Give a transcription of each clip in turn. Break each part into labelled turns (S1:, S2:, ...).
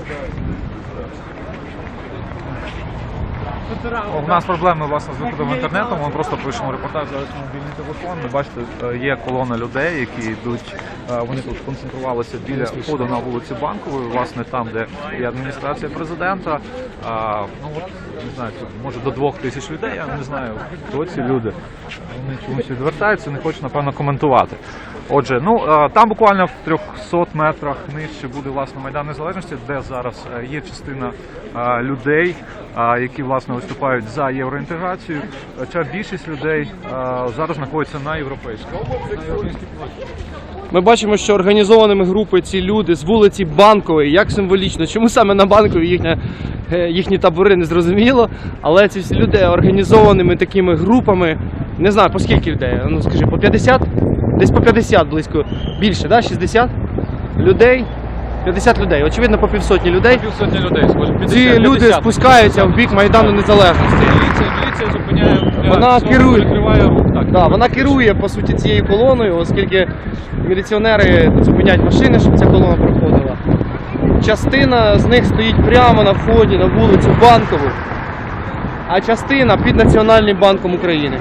S1: У нас проблеми, власне, з виходом інтернету, ми просто пишемо репортаж зараз на мобільний телефон. Ви бачите, є колона людей, які йдуть, вони тут концентрувалися біля входу на вулиці Банкової, власне, там, де є адміністрація президента. Ну, от, не знаю, тут, може до 2000 людей, я не знаю, хто ці люди. Вони чомусь відвертаються, не хочуть, напевно, коментувати. Отже, ну, там буквально в 300 метрах нижче буде, власне, Майдан Незалежності, де зараз є частина людей, які, власне, виступають за євроінтеграцію. Хоча більшість людей зараз знаходиться на європейській площі.
S2: Ми бачимо, що організованими групи ці люди з вулиці Банкової, як символічно, чому саме на Банковій їхні табори, не зрозуміло, але ці всі люди організованими такими групами, не знаю, по скільки людей, ну скажи, по 50? Десь по 50 близько, більше, да? 60 людей? 50 людей, очевидно, по півсотні людей.
S1: Півсотні людей, схоже, 50.
S2: Ці люди спускаються в бік Майдану Незалежності.
S1: Міліція зупиняє,
S2: Вона керує,
S1: перекриває рух. Так,
S2: да, вона керує, по суті, цією колоною, оскільки міліціонери зупиняють машини, щоб ця колона проходила. Частина з них стоїть прямо на вході на вулицю Банкову, а частина під Національним банком України.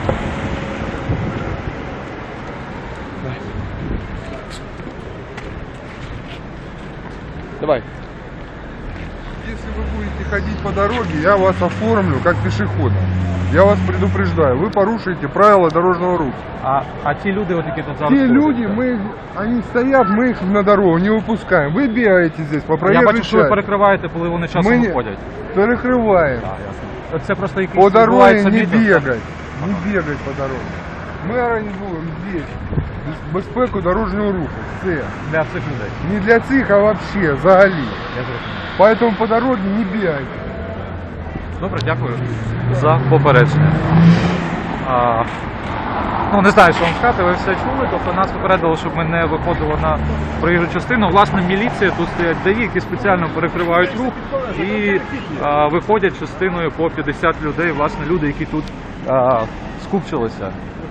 S2: Давай.
S3: Если вы будете ходить по дороге, я вас оформлю как пешехода. Я вас предупреждаю, вы порушите правила дорожного руху.
S1: А ті люди, от, які тут зараз...
S3: Те люди, они стоят, мы их на дорогу не выпускаем. Вы бегаете здесь по
S1: Я
S3: проезжей
S1: бачу, що ви
S3: части.
S1: перекриваєте, коли вони часом
S3: Ми
S1: виходять.
S3: Перекрываем.
S1: Так, ясно. Це просто якийсь
S3: По дороге
S1: відбувається
S3: не
S1: мітинг, так?
S3: бегать. Не бегать по дороге. Мы организуем здесь безпеку дорожнього руху. Все.
S1: Для цих людей.
S3: Не для цих, а вообще, взагалі.
S1: Я зрозумів.
S3: Поэтому по дороге не бегайте.
S1: Добре, дякую за попередження. Ну, не знаю, що вам сказати, ви все чули, тобто нас попередили, щоб ми не виходили на проїжджу частину. Власне, міліція, тут стоять ДАІ, які спеціально перекривають рух і виходять частиною по 50 людей, власне, люди, які тут скупчилися.